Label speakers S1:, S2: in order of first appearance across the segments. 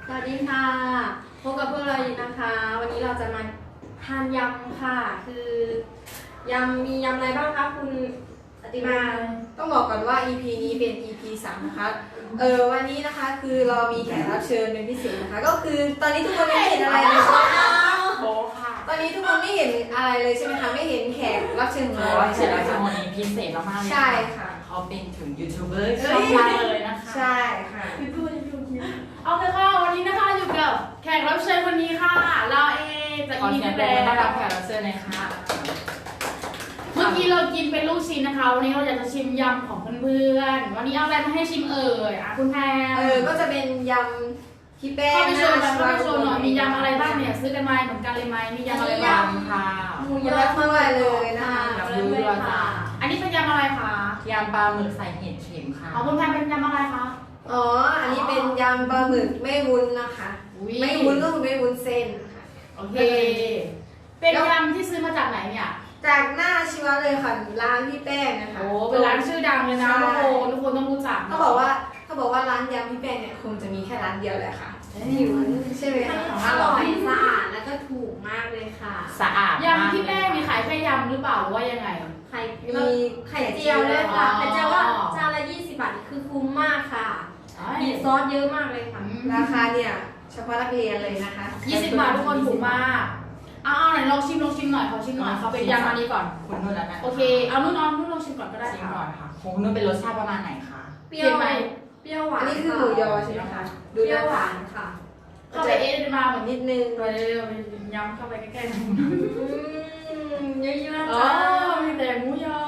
S1: สวัสดีค่ะพบกับพวกเราอีกนะคะ วันนี้เราจะมาทานยำค่ะ คือยำมียำอะไรบ้างคะคุณอติมา
S2: ต้องบอกก่อนว่า EP นี้เป็น EP 3 นะคะวันนี้นะคะคือเรามีแขกรับเชิญเป็นพิเศษนะคะ ก็คือตอนนี้ทุกคนไม่เห็นอะไรเลยใช่ไหมคะ
S3: โบค่ะ
S2: ตอนนี้ทุกคนไม่เห็นอะไรเลยใช่ไหมคะไม่เห็นแขกรับเชิญของเรา
S3: เสร็จแล้วจะวันนี้พิเศษมากๆเลย
S2: ใช่ค่ะ
S3: เขาเป็นถึงยูทูบเบอร์ช่องดังเลยนะคะ
S2: ใช่ค่ะ
S4: เอาเลยค่ะวันนี้นะคะอยู่กับแขกรับเชิญคนนี้ค่ะ เราเองจาก
S3: ขอ
S4: อี
S3: เสี
S4: พี
S3: ยงปร
S4: แล้
S3: บมือต้อนรับ
S4: ว
S3: แขกรับเชิญหน่อยค่ะ
S4: เมื่อกี้เรากินเป็นลูกชิ้นนะคะ วันนี้เราอยากจะชิมยำของเพื่อนๆวันนี้เอาอะไรมาให้ชิมเอ่ยคุณแพร
S2: ก็จะเป็นยำพี่แป้ง
S4: เข้าไปโชว์หน่อยเข้าไปโชว์หน่อยมียำอะไรบ้างเนี่ยซื้อกันมาเหมือนกันเลยไหมมียำอะไรบ้าง
S3: ค่ะ
S1: หมู
S2: เย
S1: ยอ
S2: อะมากเลยนะคะ
S3: ยำรู้ด้วยจ้า
S4: อันนี้เป็นยำอะไรคะ
S3: ยำปลาหมึกใส่เห็ดเข็มค่ะ
S4: เอาคุณแพรเป็นยำอะไรคะ
S2: อ๋ออันนี้เป็นยำปลาหมึกไม่วุ้นนะคะ
S4: อุ๊ย
S2: ไม่วุ้นก็คือไม่วุ้นเส้นค่ะ
S4: โอเค เป็นยำที่ซื้อมาจากไหนเนี่ย
S2: จากหน้าชีวะเลยค่ะร้านพี่แป้งนะคะ
S4: โอ้เป็นร้านชื่อดังเลยนะทุกคนต้องรู้จัก
S2: เขาบอกว่าร้านยำพี่แป้งเนี่ยคงจะมีแค่ร้านเดียวแหละค่ะที่อยู่ใช่ไหมคะ
S1: อร่อยสะอาดแล้วก็ถูกมากเลยค่ะ
S3: สะอาด
S4: ยำพี่แป้งมีขายแค่ยำหรือเปล่าหรือว่ายังไง
S1: ไข่
S2: มีไข่
S1: เจียวด้วยค่ะ
S4: อ๋อ
S1: แต่เจียวว่าจานละ20 บาทคือคุ้มมากค่ะ มีซอสเยอะมากเลยค่ะ
S2: ราคาเนี่ยเฉพาะนักเรียนเลยนะคะ
S4: 20 บาททุกคนถูกมากเอาไหนลองชิมหน่อยขอชิมหน่อยเขาเป็นยำอันนี้ก่อน
S3: คุณนุ่นแล้วนะ
S4: โอเค เอานุ่นลองชิมก่อนก็ได้
S3: ชิม
S4: ค่ะ
S3: ก่อนค่ะของคุณนุ่นเป็นรสชาติประมาณไหนคะ
S1: เปรี้ยวไหมเปรี้ยวหวา
S2: อั
S1: น
S2: นนี้คือหมูยอใช่ไหมคะ
S1: เปรี้ยวหวานค่ะ
S4: เข้าไปเอ๊ะมาเหมือน
S2: นิดนึง
S4: ตัวเร็วๆยำเข้าไปใกล้ๆ
S1: เยอะๆ
S4: อ๋อ
S1: จ้า
S4: มีแต่หมูยอ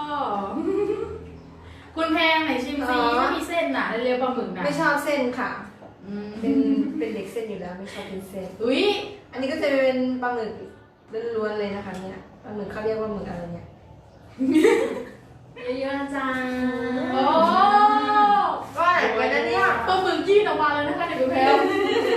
S4: คุณแพงไหนชิมซิถ้ามีเส้นน่ะเร็วๆปลาหมึกน่ะ
S2: ไม่ชอบเส้นค่ะ
S4: อืม
S2: เป็นเด็กเส้นอยู่แล้วไม่ชอบเป็นเส้น
S4: อุ้ย
S2: อันนี้ก็จะเป็นปลาหมึกล้วนๆเลยนะคะเนี่ยปลาหมึกเขาเรียกว่าหมึกอะไรเนี่ย
S1: เยอะๆจ้า
S4: โอ้
S2: ก็ไหนไปนะเนี่ย
S4: ปลาหมึกยื่นออกมาเลยนะคะเด็กคุณแพง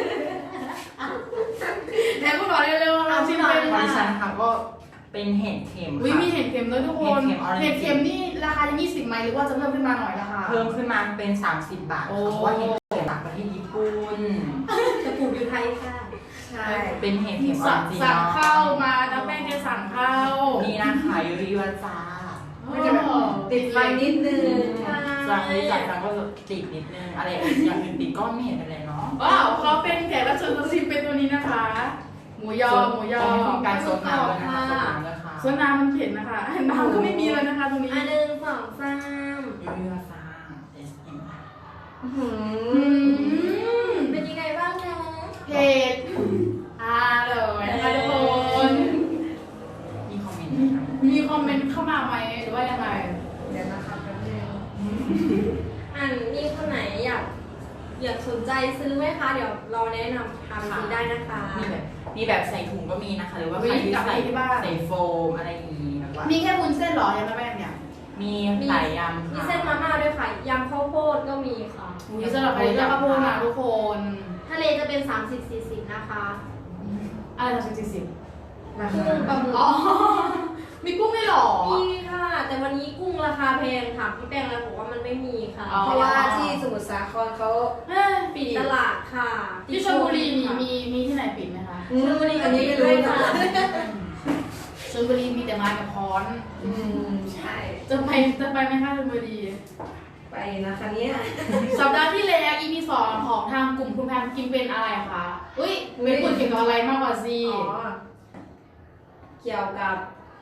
S4: แพงคุณบอกเร็วๆเราชิมเป็น
S3: ของดิฉันค่ะก็เป็นเห็ดเข็ม
S4: วิ
S3: ค่ะ
S4: มีเห็ดเข็มด้วยทุกคน
S3: เห็ดเข็ม
S4: เห็ดเข็มนี่ราคายัง20ไหมหรือว่าจะเพิ่มขึ้นมาหน่อยราคา
S3: เพิ่มขึ้นมาเป็น30 บาท
S4: โอ้
S3: ค่ะเพราะว่าเห็ดเข็มจากประเทศญี่ปุ่น
S1: จะปลูกอยู่ไทยค่ะ
S2: ใช่
S3: เป็นเห็ดเข็มออ
S4: สั่ง
S3: ริจิน
S4: สั่ง
S3: อล
S4: เข้ามาน้ำแป้งจะสั่งเข้า
S3: นี่นะคะยูริวาจ้า
S2: มันจะแบบติดไฟนิดนึง
S3: จากนี้จากนั้นก็ติดนิดนึงอะไรอย่างอื่นติดก็ไม่เห็นอะไรเนาะ
S4: ว้าวเขาเป็นแขกรับเชิญตัวจริงเป็นตัวนี้นะคะ หมูยอ
S3: ของการโซนน้ำเลยนะคะโซนน้ำเลยค่ะ
S4: ส่วนน้ำมันเผ็ดนะคะน้ำก็ไม่มีเลยนะคะตรงนี้
S1: อันหนึ่งสองสาม
S3: ยูริวาจ้าเอสเอ็ม
S4: อืม
S1: เป็นยังไงบ้างนะ
S4: เผ็ดอร่อยนะคะทุกคน
S3: มีคอมเมนต์ไหมคะ
S4: มีคอมเมนต์เข้ามาไหมหรือว่ายังไง
S2: เดี๋ยวนะคะแป๊บนึง
S1: มีคนไหนอยากสนใจซื้อไหมคะ เดี๋ยวเราแนะนำทำซื้อได้นะคะ
S3: มีแบบใส่ถุงก็มีนะคะ หรือว่าใครที่ใส่โฟมอะไรอย่างนี้แบบว่า
S4: มีแค่วุ้นเส้นเหรอยังไม่แม่เนี่ย
S3: มีหลายยำ
S1: มี
S3: ค่ะ
S1: เส้นมาม่าด้วยค่ะ ยำข้าวโพดก็มีค่ะ
S4: มีสำหรับใครที่ชอบข้าวโพดนะทุกคน
S1: ทะเลจะเป็น30-40นะคะ
S4: อะไรทำเป็น40
S2: รา
S1: กุ้
S2: คาง
S1: ปลาหมึก
S4: อ๋อ มีกุ้งไม่หรอ
S1: มีค่ะ แต่วันนี้กุ้งราคาแพงค่ะพี่แป้งแล้วบอกว่ามันไม่มีค่ะ
S4: อ๋อ
S2: เพราะว่าที่สมุทรสาครเขา
S4: ปิด
S1: ตลาดค่ะ
S4: ที่ชลบุรีมีที่ไหนปิดไหมคะ
S1: ชลบุรีก็
S2: อัน
S1: มี
S2: นี้ไม่
S1: ด้ว
S2: รู้
S1: ย
S2: ค่ะ
S1: ค่ะ
S4: ชลบุรีมีแต่ไม้กับค้อน
S2: ใช่
S4: จะไปไหมคะชลบุรี
S2: ไปนะคะเนี่ย
S4: สัปดาห์ที่แล้ว EP 2ของทางกลุ่มคุณแพมกินเป็นอะไรคะอุ้ยเป็นคนเกี่ยวกับอะไรมากกว่าซี
S2: อ๋อเกี่ยวกับ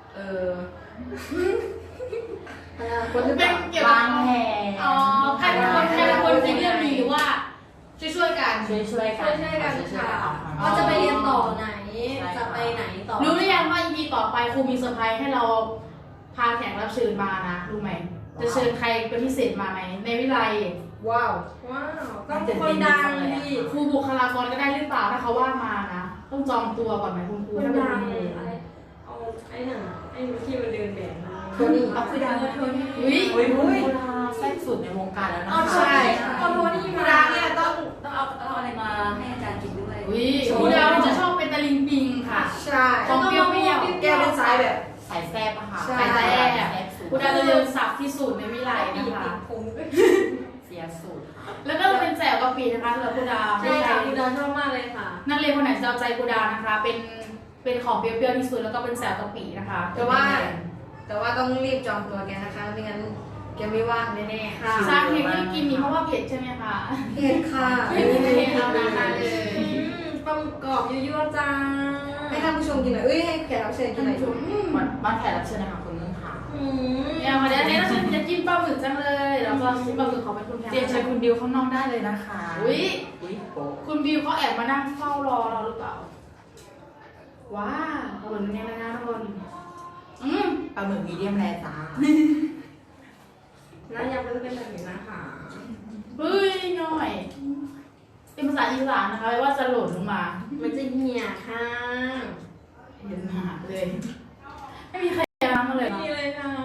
S2: คนหรือเป
S4: เป็น
S2: ล่า
S4: เกี่ยวกับ
S3: วางแผน
S4: อ๋อใครเป็นคนคิดเรื่องนี้หรือว่าช่วยกัน
S3: ช่วยๆกัน
S1: ช่วยๆกัน
S3: ช่วยๆ
S1: ค่ะ
S3: ออกมา
S1: ว่าจะไปเรียนต่อไหน จะไปไหนต่อ
S4: รู้หรือยังว่า EP ต่อไปครูมีเซอร์ไพรส์ให้เราพาแขกรับเชิญมานะรู้ไหมจะเชิญใครเป็นพิเศษมาไหมในวิไล
S2: ว้าว
S1: ว้าวต้องคนดังดิ
S4: ครูบุคลากรก็ได้หรือเปล่าถ้าเขาว่างมานะต้องจองตัวก่อนไหมคุณครู
S1: คน
S4: ถ้าเป็น
S1: ดัง
S4: คุณครู
S1: อะไรเอาไอ้นั่นไอ้ที่มันเดินแบบมา
S2: โทนี่
S1: เอาคือดังโทนี่
S4: อุ้ย
S3: อุ้ยแซ่บสุดในวงการแล้วนะ
S1: เอา
S3: คะ
S1: ใช่เอาโทนี่
S2: พี่
S1: มา
S2: ดาเนี่ยต้อง
S5: ต้องเอาอะไรมาให้อาจารย์กินด้วย
S4: อุ้ยครูดาวจะชอบเป็นตะลิงปิงค่ะ
S2: ใช่
S4: ของเปรี้ยว
S2: แก้วเป็นสายแบบ
S3: สายแซ่บอะค่ะ
S2: ใช่
S4: สายแซ่บ
S3: แซ่บสุด
S4: ครูดาวจะเรียนศัพท์ที่สุดในวิไลนะคะ
S3: เสียสูตร
S4: แล้วก็เป็นแจ่วกะปินะคะสำหรับครูดาว
S1: ใช่ค่ะคุณดาชอบมากเลย
S4: นักเรียนคนไหนจะเอาใจกูดานะคะ เป็นของเปรี้ยวๆที่สุดแล้วก็เป็นแซวกะปินะคะ
S2: แต่ว่าต้องรีบจองตัวแกนะคะไม่งั้นแกไม่ว่างแน่ๆค่ะ
S4: สาเหตุที่กินนี่เพราะว่าเผ็ดใช่ไหมคะ
S2: เผ็ดค่ะ
S4: ไม่มีเผ็ดเอานะคะเลย
S1: ปลาหมึกกรอบยั่วๆจ้า
S2: ให้ท่านผู้ชมกินหน่อยให้แขกรับเชิญกินหน่อยชุบ
S3: บ้านแขกรับเชิญนะคะคุณนุ่นค่ะ
S4: เนี่ยวันนี้เราจะกินปลาหมึกจังเลยแล้วก็ปลาหมึกขอเป็นคุณแพ
S3: เรียนเชิญคุณดิวข้างนอกได้เลยนะคะ
S4: อุ้ย
S3: โป๊ะ
S4: คุณบิวเขาแอบมานั่งเฝ้ารอเราหรือเปล่าว้าวขนมเนี่ยนะทุกคน
S3: ปลาหมึกมีเดียมแรจ้า
S1: หน้ายำก็จะเป็นแบบนี้นะคะ
S4: เฮ้ยหน่อยเป็นภาษาอีสานนะคะว่าจะหล่นลงมา
S1: มันจะเหี่ยค่ะ
S4: เห็นหาเลย ไม่มีใครทำมาเลยเนาะ
S1: นี่เลยค่ะ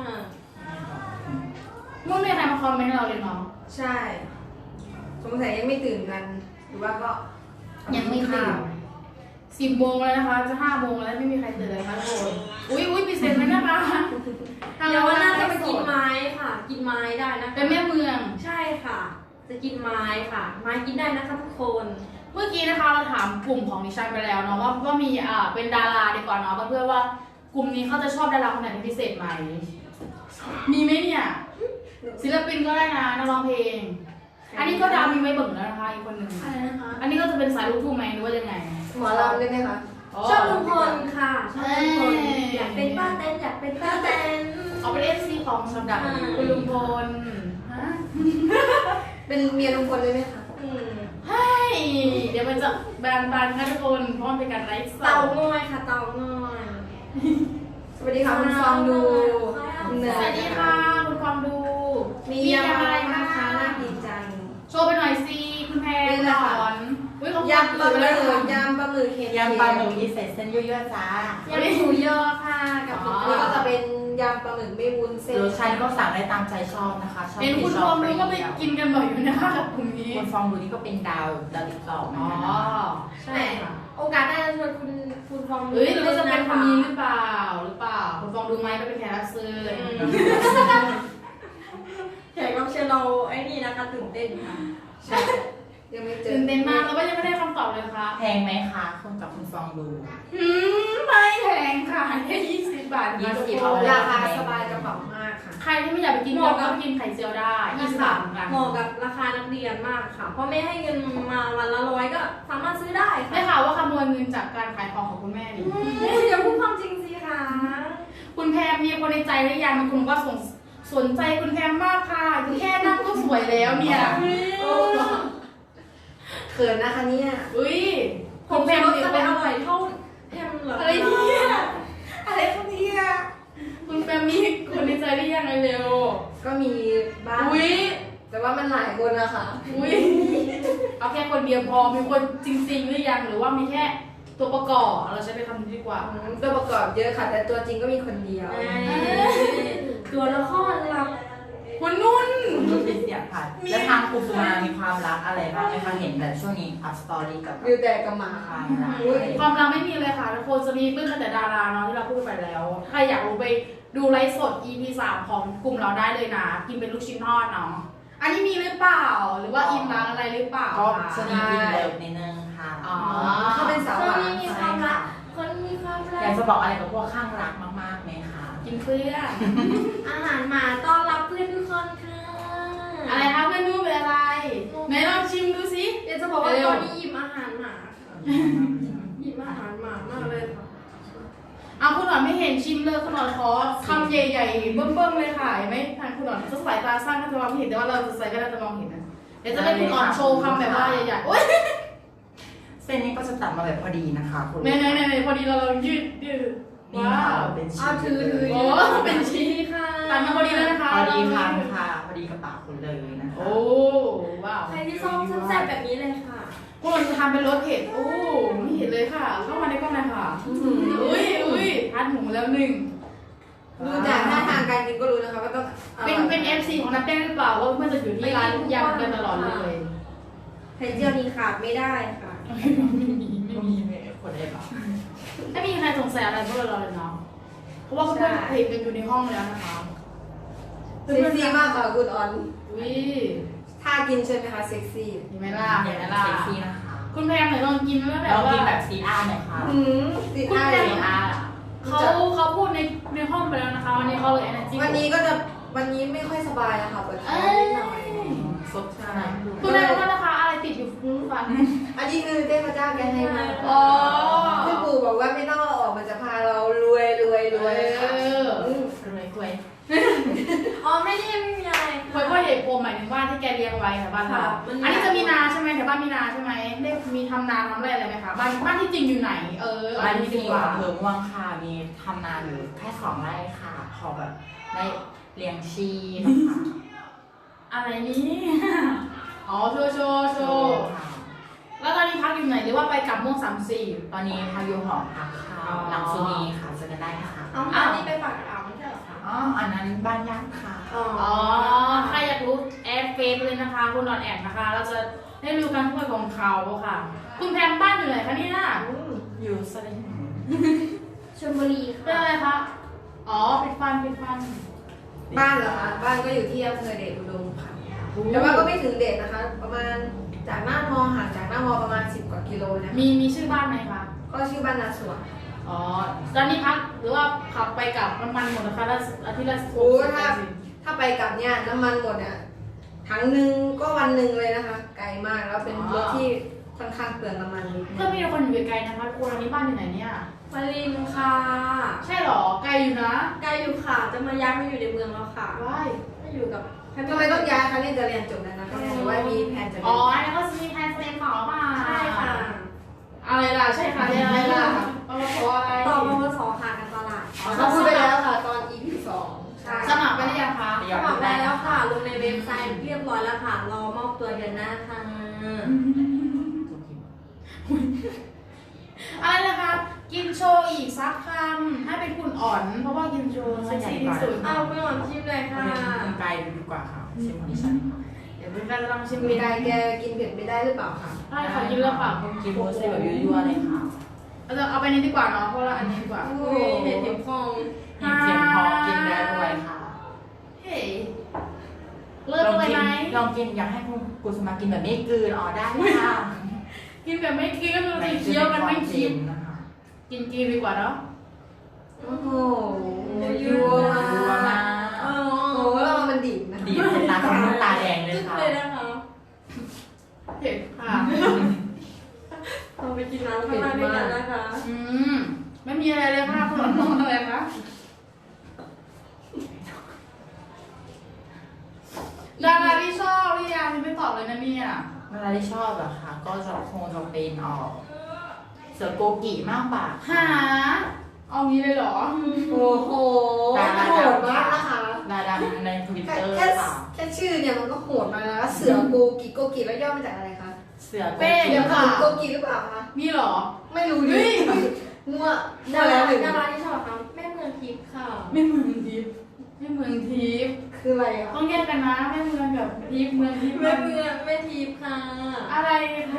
S4: เมื่อไม่มีใครมาคอมเมนต์เราเลยเนาะ
S2: ใช่สงสัยยังไม่ตื่นกันหรือว่าก็
S4: ยังไม่ตื่น10 โมงแล้วนะคะจะ5 โมงแล้วไม่มีใครตื่นเลยค่ะทุกคนอุ้ยพิเศษไหมนะคะ
S1: เดี๋ยววันหน้าจะไปกินไม้ค่ะ กินไม้ได้นะคะ
S4: เป็นแม่เมือง
S1: ใช่ค่ะ จะกินไม้ค่ะ ไม้กินได้นะคะทุกคน
S4: เมื่อกี้นะคะเราถามกลุ่มของดิฉันไปแล้วเนาะว่ามีเป็นดาราดีกว่าเนาะเพื่อว่ากลุ่มนี้เขาจะชอบดาราคนไหนเป็นพิเศษไหมมีไหมเนี่ยศิลปินก็ได้นะนักร้องเพลง อันนี้ก็ดาวมีไว้เบิ่งแล้วนะคะอีกคนหนึ่ง
S1: อะไรนะคะ
S4: อันนี้ก็จะเป็นสายลูกทุ่งไหมหรือว่ายังไง
S2: หมอลำได้ไหมคะ
S1: ชอบลุงพลค่ะชอบลุงพลอยากเป็นป้าเต้นอยากเป็นป้าเต้น
S4: เอาเป็นFC ของสำหรับคุณลุงพลฮะ
S2: เป็นเมียลุงพลเลยไหมคะ
S4: เฮ้ยเดี๋ยวมันจะแบนค่ะทุกคนเพราะมันเป็นการไลฟ์สด
S1: เต่างอยค่ะเต่างอย
S2: สวัสดีค่ะคุณฟองดูคุณเน
S4: ส
S2: ย
S4: วัสดีค่ะคุณความดู
S2: มียำอะไรนะคะน่ากินจัง
S4: โชว์ไปหน่อยสิคุณแพร
S2: นี่แหละค่ะ
S4: สอนอุ้ยเขา
S2: ยำปลาหมึกยำปลาหมึกเห็ด
S3: ยำปลาหมึกมีใส่เส้นยั่วๆจ้าย
S1: ำหมูยอค่ะกับหมู
S2: นี่
S1: ยอ
S2: ก็จะเป็นยำปลาหมึกไม่วุ้นเส้น
S3: โลชั่นก็สั่งได้ตามใจชอบนะคะชอบ
S4: เห็นคุณฟองดูก็ไปกินกันบ่อยอยู่นะคะกับกลุ่มนี้
S3: คุณฟองดูนี่ก็เป็นดาวติ๊กต็อก
S4: อ๋อ
S3: นะคะ
S4: ใช่ค่ะ
S1: โอกาสหน้าจะชวนคุณฟอง
S4: เอ้ยหรือว่าจะเป็นคนนี้หรือเปล่าคุณฟองดูไหมก็เป็นแขกรับเชิญ
S1: แขกรับเชิญเราไอ้นี่นะคะตื่นเต้นค่ะ
S2: ใช่ยังไม่เจอ
S4: ตื่นเต้นมากแล้วก็ยังไม่ได้คำตอบเลยนะคะ
S3: แพงไหมคะคุณกับคุณฟองดู
S4: ไม่แพงค่ะแค่20 บาทนะคะทุกคน
S2: ราคาสบายกระเป๋ามากค่ะ
S4: ใครที่ไม่อยากไปกินยำก็ไปกินไข่เจียวได้20 บาทเหมือนกัน
S1: เหมาะกับราคานักเรียนมากค่ะ เพราะไม่ให้เงินมาวันละ100ก็สามารถซื้อได้
S4: ได้
S1: ค่ะ
S4: ข่าวว่าขโมยเงินจากการขายของของคุณแม่ดิ
S1: อย่าพูดความจริงสิคะ
S4: คุณแพมมีคนในใจหรือยังมีคนบอกว่าสนใจคุณแพมมากค่ะแค่นั่งก็สวยแล้วเนี่ย
S2: เขินนะคะเนี่ย
S4: อุ้ย
S1: ผมแพมจะไปอร่อยเท่าแพมเหรอ
S4: อะไรเนี่ยอะไรพวกนี้อะคุณแพมมีคนในใจหรือยังเร็ว
S2: ก็มีบ้าง
S4: อุ้ย
S2: แต่ว่ามันหลายคนนะคะ
S4: อุ้ยเอาแค่คนเดียวพอมีคนจริงๆหรือยังหรือว่ามีแค่ตัวประกอบเราใช้เป็นคำนี้ดีกว่า
S2: ตัวประกอบเยอะค่ะ แต่ตัวจริงก็มีคนเดียว
S1: ตัวละครลับ
S4: คุณนุ่น
S3: คุณนุ่นเป็นเสียผ่านแล้วทางคุณสุมามีความรักอะไรบ้างไหมคะเห็นแบบช่วงนี้อัพสตอรี่กับ
S2: วิวแต่กับหมา
S3: ความรัก
S4: ความรักไม่มีเลยค่ะทุกคนจะมีเพื่อนแต่ดาราเนาะที่เราพูดไปแล้วใครอยากรู้ไปดูไลฟ์สด EP 3 ของกลุ่มเราได้เลยนะกินเป็นลูกชิ้นทอดเนาะอันนี้มีหรือเปล่าหรือว่าอินรักอะไรหรือเปล่า
S3: ก็
S4: คะ
S3: สนิทอินเลิฟนิดนึงค่ะ
S4: อ๋อ
S2: เขาเป็นสาว
S1: ค
S2: ห
S1: น
S2: วาน
S1: นี้มีความรัก คนมีความรั
S3: อยาก กจะบอกอะไรกับพวกข้างรักมากๆไหมคะ
S4: กินเพื่อน
S1: อาหารหมาต้อนรับเพื่อนทุกคนค่ะ
S4: อะไรคะเพื่อนนุ่นเป็นอะไรไหนลองชิมดูสิ
S1: เดี๋ยวจะบอกว่าตอนนี้หยิบอาหารหมาค่ะหยิบอาหารหมามากเลยค่ะ
S4: เอาคุณหนอนไม่เห็นชิมเลยคุณหนอนขอคำใหญ่ๆเบิ่มๆเลยค่ะเห็นไหมทางคุณหนอนจะสายตาสั้นก็จะมองไม่เห็นแต่ว่าเราจะใส่ก็จะมองเห็นนะเดี๋ยวจะให้คุณหนอนโชว์คำแบบว่าใหญ่ๆโอ๊ย
S3: เส้นนี้ก็จะตัดมาแบบพอดีนะคะคุณ
S4: ในพอดีเราลองยืด
S3: นี่
S4: ว้า
S3: ค่ะ
S4: ว
S3: เป็นชิ้
S1: เอา
S3: น
S1: ถือ
S4: โอ้เป็นชิ้น
S1: ค่ะ
S4: ตัดมาพอดีแล้วนะคะ
S3: พอดีค่ะค่ะพอดีกับปากคุณเลยนะคะ
S4: โอ้ว้าว
S1: ใครที่ชอบแซ่บๆแบบนี้เลยค่ะ
S4: พวกเราจะทำเป็นรสเผ็ดโอ้ไม่เห็นเลยค่ะ เข้ามาในกล้องเลยค่ะอุ้ยพัดหมูแล้วหนึ่ง
S2: ดูจากท่าทางการกินก็รู้นะคะว่าต้องอร่อย
S4: เป็น FC ของนักเต้นหรือเปล่าว่าเพื่อนจะอยู่ที่ร้านยำกันตลอดเลย
S1: ไข่เจียวนี้ขาดไม่ได้ค่ะ
S3: ไม่มีคนได้ปะ
S4: ไม่มีใครสงสัยอะไรพวกเราเลยเนาะเพราะว่าเพื่อนเห็นกันอยู่ในห้องแล้วนะคะ
S2: เซ็กซี่มากค่ะคุณออน
S4: อุ้ย
S2: ท่ากินใช่ไหมคะเซ็กซี่
S4: เห็นไหมล่ะ
S3: เห็
S4: เห็
S3: น
S4: น
S3: ไห
S4: ไห
S3: ม
S4: ม
S3: ล่ะ
S4: ล่ะ
S3: เซ็กซี่นะคะ
S4: คุณแพมไหนลองกินแล้วแบ
S3: ล
S4: บ
S3: อง
S4: ว่า
S3: กินแบบซีอาร์หน่อยค่ะ
S2: ซี
S4: คุณ
S2: อาร์
S4: แม่
S3: ซีอาร์
S4: เขาพูดในห้องไปแล้วนะคะวันนี้เขาเลย energy
S2: วันนี้ไม่ค่อยสบายนะคะปวดท้องนิดหน่อย
S3: ซดชาไหน
S4: คุณแม่รู้นะคะอะไรติดอยู่ฟัน
S2: อันนี้คือเทพเจ้าแกให้มา
S4: อ๋อ
S2: ที่ปู่บอกว่าไม่ต้องเอาออกมันจะพาเรารวยค่ะ
S3: รวย
S1: อ๋อไม่มีอะไร
S4: คอยพ่อเห็ดโปมหมายถึงบ้านที่แกเลี้ยงไว้แถวบ้านเราอันนี้จะมีนาใช่ไหมแถวบ้านมีนาใช่ไหมได้มีทำนาทำไรอะไรไหมคะบ้านที่จริงอยู่ไหน
S3: บ้านที่
S4: ดี
S3: ดี
S4: กว่า
S3: อำเภอม่วงค่ะมีทำนาอยู่แค่2 ไร่ค่ะขอแบบได้เลี้ยงชีนะคะ
S4: อะไรนี้อ๋อโชว์แล้วตอนนี้พักอยู่ไหนหรือว่าไปกับม่วง34
S3: ตอนนี้พายุหอพักค่ะหลังสุนีค่ะเจอกันได้ค่ะ
S1: เอาอันนี้ไปฝากเอาไม่ใช่เหรอคะ
S3: อ๋ออันนั้นบ้านญาติค่ะ
S1: อ๋อ
S4: อ๋อใครอยากรู้แอดเฟซเลยนะคะคุณนอนแอดนะคะ เราจะได้รู้การพูดของเขาค่ะ คุณแพมบ้านอยู่ไหนคะเนี่ย
S3: อยู่สลิง
S1: ชลบุรี
S4: เป็น
S1: ค่ะ
S4: อะไรคะอ๋อปิดฟัน
S2: บ้านเหรอคะบ้านก็อยู่ที่อำเภอเดชอุดมค่ะแต่ว่าก็ไม่ถึงเดชนะคะ ประมาณจากหน้ามอห่างจากหน้ามอประมาณ10 กว่ากิโลนะ
S4: มีชื่อบ้านไหมคะ
S2: ก็ชื่อบ้านนาสวน
S4: อ๋อตอนนี้พักหรือว่าขับไปกับมันหมดนะคะแล้วอาทิตย์ละ
S2: โอ้ถ้าไปกลับเนี่ยน้ำมันหมดเนี่ยถังหนึ่งก็วันหนึ่งเลยนะคะ ไกลมากแล้วเป็นรถที่ค่อนข้างเปลืองน้ำมันนิดนึ
S4: เพื่อนมีคนอยู่ไกลๆนะคะทุกคนอันนี้บ้านอยู่ไหนเนี่ย
S1: วารินค่ะ
S4: ใช่หรอไกลอยู่นะ
S1: ใกล้อยู่ค่ะจะมาย้ายมาอยู่ในเมืองแล้วค่ะ
S4: ว้าย
S1: มาอยู่กับ
S2: ทำไมต้องย้ายคะเนี่ยจะเรียนจบแล้วนะคะหรือว่ามีแผนจะเรี
S4: อ๋
S2: ย
S4: อน อันนี้ก็จะมีแพลนเรียนต่อเปล่า
S1: ใช่ค่ะ
S4: อะไรล่ะใช่ค่ะเรียนอะไรล่ะปวสอะไร
S1: ต่อปวสค่ะการตลาด
S2: เขาพูดไปแล้วค่ะตอน EP 2ใช่
S4: สมัครไปหรือยังคะ
S1: สมัครได้แล้วค่ะ ลงในเว็บไซต์เรียบร้อยแล้วค่ะ รอมอบตัวเดือนหน้าค่ะ
S4: อะไรนะคะ กินโชว์อีกสักคำให้เป็นคุณอ่อน เพราะว่ากินโชว์เซ็กซี่ที่สุด
S1: เอาไปหอนชิมเลยค่ะ
S3: เป็นไกลดีกว่าค่ะชิมของดิฉันค่ะ
S4: เดี๋ยวเป็นการลองชิม
S2: มีใครแกกินเผ็ดไม่ได้หรือเปล่าคะ
S4: ใช่ค่ะกินแล้วปาก
S3: กินโมเสแบบยั่วๆเลยค่ะ
S4: เราจะเอาไปนี้ดีกว่าเนาะเพราะว่าอันนี้ดีกว่า
S1: อุ้ยเห็ดเข็มฟอง
S3: มีเสียงพอกินได้ด้วยค่ะ
S4: เฮ้ยเริ่มเลยไหม
S3: ลองกินอยากให้คุณกุสมากินแบบไม่กลืนอ๋อได้ค่ะ
S4: กินแบบไม่กินก็คือเคี้ยวกันไม่คิด
S3: นะคะ
S4: กินดีกว่าเนาะ
S2: โอ้โหยั่ว
S3: ยั่วมาก
S1: อ๋อ
S2: โอ้โหแล้วมันดิบนะ
S3: ดีเป็นตาของตาแดงเลย
S1: จุด
S3: ค่ะ
S1: เลยนะคะ
S4: เผ็ดค่ะ
S1: เราไปกินน้ำข้างล่างด้วยกันนะคะ
S4: ไม่มีอะไรเลยค่ะคุณหลอนอะไรคะดาราที่ชอบหรือยังไม่ตอบเลยนะเนี่ย
S3: เวลาที่ชอบอะค่ะ ก็จะคงจะเป็นเสือโกกิมากกว่า
S4: หาเอางี้เลยเหรอ
S2: โอ้โหโหดมากนะคะ
S3: ดาดังในทวิตเตอร์
S2: แค่
S3: ค่ะ
S2: แค่ชื่อเนี่ยมันก็โหดมาแล้วเสือโกกิแล้วย่อมาจากอะไรคะ
S3: เสือโก
S4: เป้
S3: กิ
S2: เดี๋ยวค่ะโกกิหรือเปล่าคะ
S4: มีเหรอ
S2: ไม่รู้ดิมั่ว
S1: ดา
S2: แล้
S1: ราว
S2: หนึ่ง
S1: ดาราที่ชอบค่ะแม่เมืองทิพย์ค่ะ
S4: ไม่เมืองทิพย์ไม่เมืองทิพย์
S2: คืออะไรอ่ะ
S4: ต้องแยกกันนะไม่เมืองกับทิพย์เมืองทิพย์
S1: แม่เมืองแม่ทิพย์ค่ะ
S4: อะไรใคร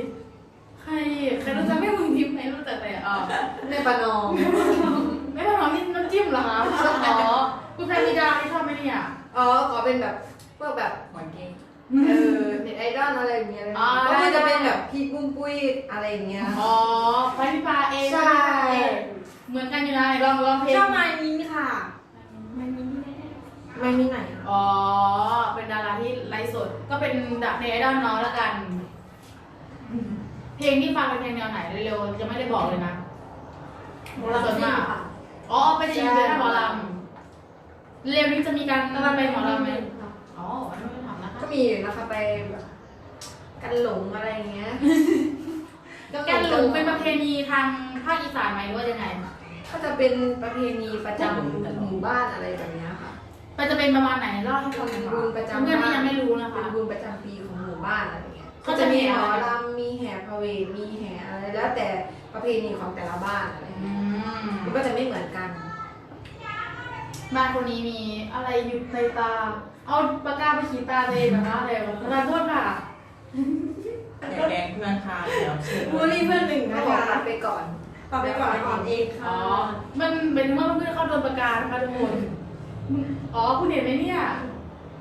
S4: รู้จักไม่เมืองทิพย์ไหมรู้จักแต่
S2: แม่ปานอง
S4: ไม่พอหอมนี่น้ำจิ้มเหรอคะอ๋อคุณแพรมีดาที่ชอบไหมเนี่ย
S2: อ๋อขอเป็นแบบพวกแบบ
S3: เหมือนเก้ง
S2: เน็ตไอดอลอะไรอย่างเงี้ยเลย
S4: อ๋อ
S2: ก็คือจะเป็นแบบพี่ปุ้มปุ้ยอะไรอย่างเงี้ย
S4: อ๋อพาริพาเอง
S2: ใช่
S4: เหมือนกันอยู่นะลองเพลง
S1: ชอบไมมินค่ะไมมิน
S2: ไม่มีไหน
S4: อ๋อเป็นดาราที่ไลฟ์สดก็เป็นดับเพลงไอดอลน้องแล้วกัน เพลงที่ฟังเป็นเพลงแนวไหนเร็วๆจะไม่ได้บอกเลยนะ
S1: โมลาซิ่งค่ะ
S4: อ๋อไปจะอยู่ในหมอลำเร็วนี้จะมีการไปหมอลำไหมอ๋อไม่ได้ถามนะคะ
S2: ก็มีอยู่นะคะไปแบบกันหลงอะไรอย่างเงี้ย
S4: แกนหลงเป็นประเพณีทางภาคอีสานไหมหรือว่ายังไง
S2: ก็จะเป็นประเพณีประจำหมู่บ้านอะไรแบบเนี้ยค่ะ
S4: มันจะเป็นประมาณไหนเล่าให้ฟังหน่อย
S2: บุญประจำ
S4: เพื่อนที่ยังไม่รู้นะคะ
S2: เป็นบุญประจำปีของหมู่บ้านอะไรเงี้ย
S4: เขา
S2: ก็
S4: จะ
S2: จะ
S4: มี
S2: มีหมอ
S4: อะไร
S2: ลำมีแห่พระเวทมีแห่อะไรแล้วแต่ประเพณีของแต่ละบ้านอะไร
S4: อื
S2: เงี้ย
S4: ม
S2: มันก็จะไม่เหมือนกัน
S4: บ้านคนนี้มีอะไรอยู่ในตา เอาปากกาไปขีดตาตัวเองนะคะเร็วขอโทษค่ะ
S3: อย่าแกล้งเพื่อนค่ะเดี๋ยวเชื่อ
S1: บูลลี่เพื่อนหนึ่ง
S2: นะ
S1: นะคะ คะ
S2: ตัดไปก่อน
S1: ต่อไปก่อนอ่อนเอง
S4: อ๋
S1: ค่ะ
S4: อ มันเป็นเมื่อเพื่อนเขาโดนประกาศนะคะทุกคน อ๋อคุณเห็นไหมเนี่ย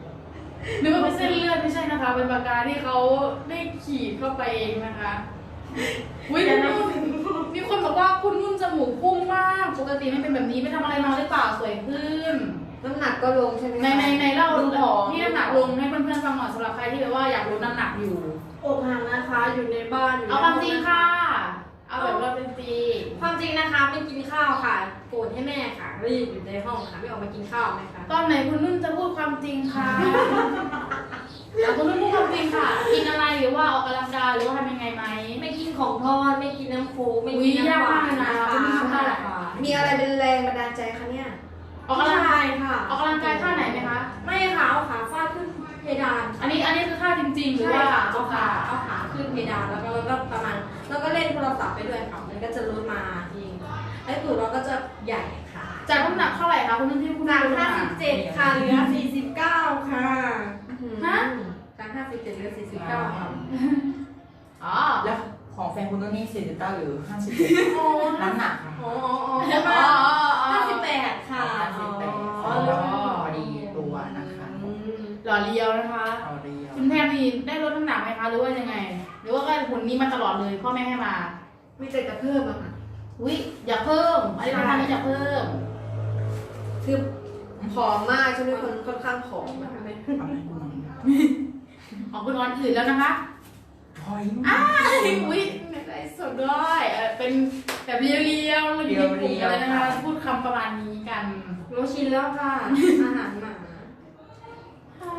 S4: นึกว่าเป็นเส้นเลือดไม่ใช่นะคะ เป็นปากกาที่เขาได้ขีดเข้าไปเองนะคะอุ้ยมีคนบอกว่าคุณนุ่นจมูกพุ่งมากปกติไม่เป็นแบบนี้ไปทำอะไรมาหรือเปล่าสวยขึ้น
S2: น้ำหนักก็ลงใช่ไหม
S4: ในเล่าที่น้ำหนักลงให้เพื่อนๆฟังหน่อยสำหรับใครที่แบบว่าอยากลดน้ำหนักอยู่
S1: อกหักนะคะอยู่ในบ้านอยู่
S4: เอาความจริงค่ะ เอาแบบว่าเป็นจริง
S1: ความจริงนะคะไม่กินข้าวค่ะโกรธให้แม่ค่ะรีบอยู่ในห้องค่ะไม่ออกมากินข้าวนะคะ
S4: ตอนไหนคุณนุ่นจะพูดความจริงค่ะเอาคุณนุ่นพูดความจริงค่ะ กินอะไรหรือว่าออกกำลังกายหรือว่าทำยังไงไหม
S1: ไม่กินของทอดไม่กินน้ำโค้กไม่
S4: อุ๊
S1: กิ
S4: ย
S1: นน้ำหวาน
S4: ยากมากเลยนะ
S1: นะคะ
S4: คุณผู้ชม
S1: ใช่ค่ะ
S2: มีอะไรเป็นแรงบันดาลใจคะเนี่ย
S4: ออกกำลัง
S1: ใช่ค่ะ
S4: ออกกำลังกายท่าไหนไหมคะ
S1: ไม่ค่ะเอาขาฟาดขึ้นเพดาน
S4: อันนี้คือท่าจริงๆหรือ
S1: ใช่
S4: ว่า
S1: ค่ะเอาขาขึ้นเพดานแล้วก็ประมาณแล้วก็เล่นโทรศัพท์ไปด้วยค่ะมันก็จะลดมาเองไอ้ตูดเราก็จะใหญ่ค่ะ
S4: จากน้ำหนักเท่าไหร่คะคุณนุ่นที่คุณ
S1: จาก
S4: นุ่นลดมา
S1: 57ค่ะเหลือ49ค่ะ
S4: ฮะ
S1: จาก57เหลือ49ค่ะ
S4: อ๋อ
S3: แล้วของแฟนคุณนุ่นนี่49หรือ57
S1: โอ้
S3: น้ำหนักนะ
S1: อ๋อ
S4: อ๋อ
S1: 58ค่ะ
S3: 58
S1: อ๋อ
S3: พอดีตัวนะคะ
S4: หล่อเลียวนะคะ
S3: เอาเรียว
S4: คุณแพรมีได้ลดน้ำหนักไหมคะหรือว่ายังไง หรือว่าก็หุ่นนี้มาตลอดเลยพ่อแม่ให้มา
S2: มีแต่จะเพิ่มอะค่ะ
S4: อุ้ยอยากเพิ่มอะไรทำนี้อยากเพิ่ม
S2: คือผอมมากช่วงนี้คนค่อนข้างผอมนะคะ
S3: ทำให้คุณน้อง
S4: ของคุณออนอื่นแล้วนะคะ
S3: หอย
S4: อุ้ยไม่ได้สดด้วยเป็นแบบเรียวๆเราอยู่ในกลุ่มกันเลยนะคะพูดคำประมาณนี้กัน
S1: รู้ชินแล้วค่ะ อาหารหมา
S4: ใช่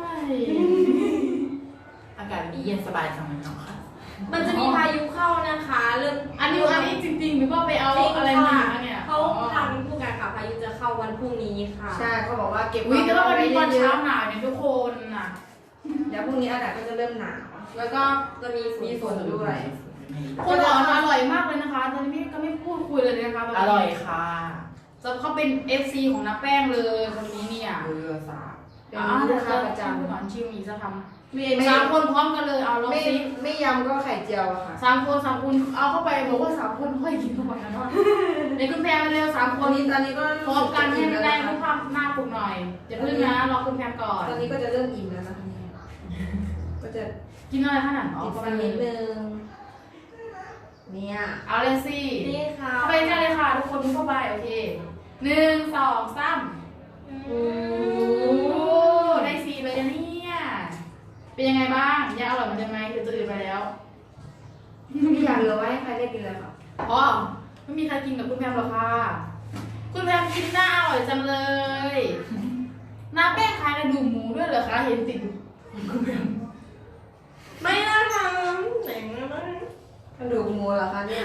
S3: อากาศวันนี้เย็นสบายจังเลยเนาะค่ะ
S1: มันจะมีพายุเข้านะคะเริ่ม
S4: อันนี้จริงๆหรือว่าไปเอาอะไรมาเนี่ย
S1: เขาทำผู้การข่าวพายุจะเข้าวันพรุ่งนี้ค่ะ
S2: ใช่เขาบอกว่าเก็บ
S4: อุ้ยแต่ว่าวันนี้ตอน
S2: เย
S4: เช้า
S2: อะ
S4: หนาวเนี่ยทุกคนน่ะ
S2: เดี๋ยวพรุ่งนี้อากาศก็จะเริ่มหนาว
S1: แล้วก็จะมี
S2: มีฝนด้วย
S4: คนอร่อยมากเลยนะคะตอนนี้ก็ไม่พูดคุยเลยนะคะ
S3: อร่อยค่ะ
S4: จะเขาเป็น FC ของน้าแป้งเลยคนนี้เนี่ย
S3: เรือสาบ
S2: เป็นลูกค้าประจ
S4: พูดก่อนชิมอีกสักค
S2: ำไม่
S4: ำสามคนพร้อมกันเลยเอาลอง
S2: ไม่
S4: ซิ
S2: ไม่ยำก็ไข่เจียวอะค่ะ
S4: สามคนเอาเข้าไปบอกว่า3 คนค่อยกินเข้าไปนะเนาะในคุณแพรมาเร็ว3 ค
S2: ตอน นนี้ก็
S4: พร้อมกันให้มันได้รูป
S2: ต
S4: ภาพหน้าปกหน่อยอย่าพึ่งนะรอคุณแพรก่อน
S2: อนนี้ก็จะเริ่มอิ่มแล้วนะคะเนี่ยก็จะ
S4: กินอะไรขนาด
S2: ติดฟันนิดนึงเนี่ย
S4: เอาเลยสิ
S1: นี่ค่ะ
S4: เข้าไปกันเลยค่ะทุกคนเข้าไปโอเค1 2 3
S1: โอ้
S4: โอ้ได้4เลยนะเนี่ยเป็นยังไงบ้างยังอร่อยเหมือนเดิมไหมหรือจะอื่นไปแล้ว
S2: ไม่อยากเหลือไว้ให้ใครได้กินเลยค่ะ
S4: อ๋อไม่มีใครกินกับคุณแพมหรอกค่ะ คุณแพมกินหน้าอร่อยจังเลยน้าแป้งขายกระดูกหมูด้วยเหรอคะเห็นติดอยู่คุณแพม
S1: ไม่นะคะไหนมาก
S2: กระดูกหมูเหรอคะเนี่ย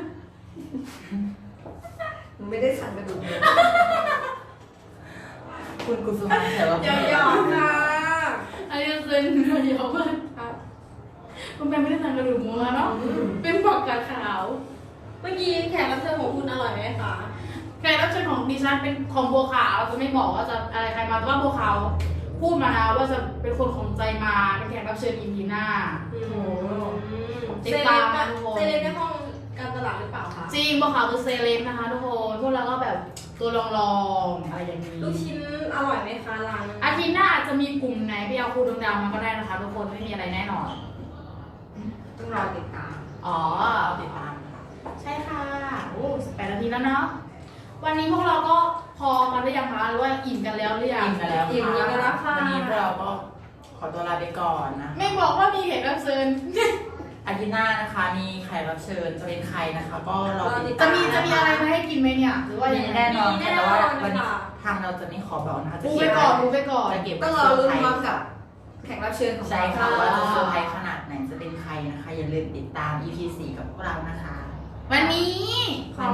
S2: หนูไม่ได้สั่งกระดูกหมู
S3: คุณกุสุมาแต่ว่า
S1: เดี๋ยวหยอกค่ะ
S4: อันนี้คือเนื้อเยอะมาก
S1: ครับ
S4: คุณแพมไม่ได้สั่งกระดูกหมูมาเนาะเป็นผักกาดขาว
S1: เมื่อกี้แขกรับเชิญของคุณอร่อยไหมคะ
S4: แขกรับเชิญของดิฉันเป็นของบัวขาวจะไม่บอกว่าจะอะไรใครมาแต่ว่าบัวขาวพูดมานะว่าจะเป็นคนของใจมาเป็นแขกรับเชิญ EP หน้า
S1: โอ้โห
S4: ติ
S1: เซ
S4: ด
S1: เล
S4: ตาม
S1: บ
S4: นะทุกคน
S1: เซเลบในห้องการตลาดหรือเปล่าคะ
S4: จริงบัวขาวคือเซเลบนะคะทุกคนพวกเราก็แบบตัวลองๆอะไรอย่างนี้
S1: ลูกชิ้นอร่อยไหมคะร้าน
S4: อาทิตย์หน้าอาจจะมีกลุ่มไหนไปเอาครูดวงดาวมาก็ได้นะคะทุกคนไม่มีอะไรแน่นอน
S2: ต้องรอติดตาม
S4: อ๋อ
S3: ติดตามค่ะ
S4: ใช่ค่ะโอ้18 นาทีแล้วเนาะวันนี้พวกเราก็พอกันหรือยังคะหรือว่าอิ่มกันแล้วหรือยัง
S3: อิ่มกันแล้ว
S1: อิ่มกันแล้วค่ะ
S3: วันนี้พวกเราก็ขอตัวลาไปก่อนนะ
S4: ไม่บอกว่ามีแขกรับเชิญ
S3: อาทิตย์หน้านะคะมีแขกรับเชิญจะเป็นใครนะคะ ก็รอติด
S4: จะ
S3: ตาม
S4: มีอะไรมาให้กินไหมเนี่ยหรือว่า
S3: มี
S4: ยังไง
S3: แน่นอน
S1: มี
S3: ค่ะ
S1: แน่
S3: แต่
S1: นอน
S3: ว่าวันนี้
S1: ค่ะ
S3: ทางเราจะไม่ขอบอกนะคะจะ
S4: ดู
S3: เก็
S4: ไป
S3: บ
S4: ก่อนดูไปก่อน
S3: จะเก็บ
S2: ต้องรอลุ้นพร้อมกับแขกรับเชิญของ
S3: ใช่
S2: เรา
S3: ค่ะว่าจะเซอร์ไพรส์ขนาดไหนจะเป็นใครนะคะ อย่าลืมติดตาม EP 4กับพวกเรานะคะ
S4: วันนี้
S1: ขอ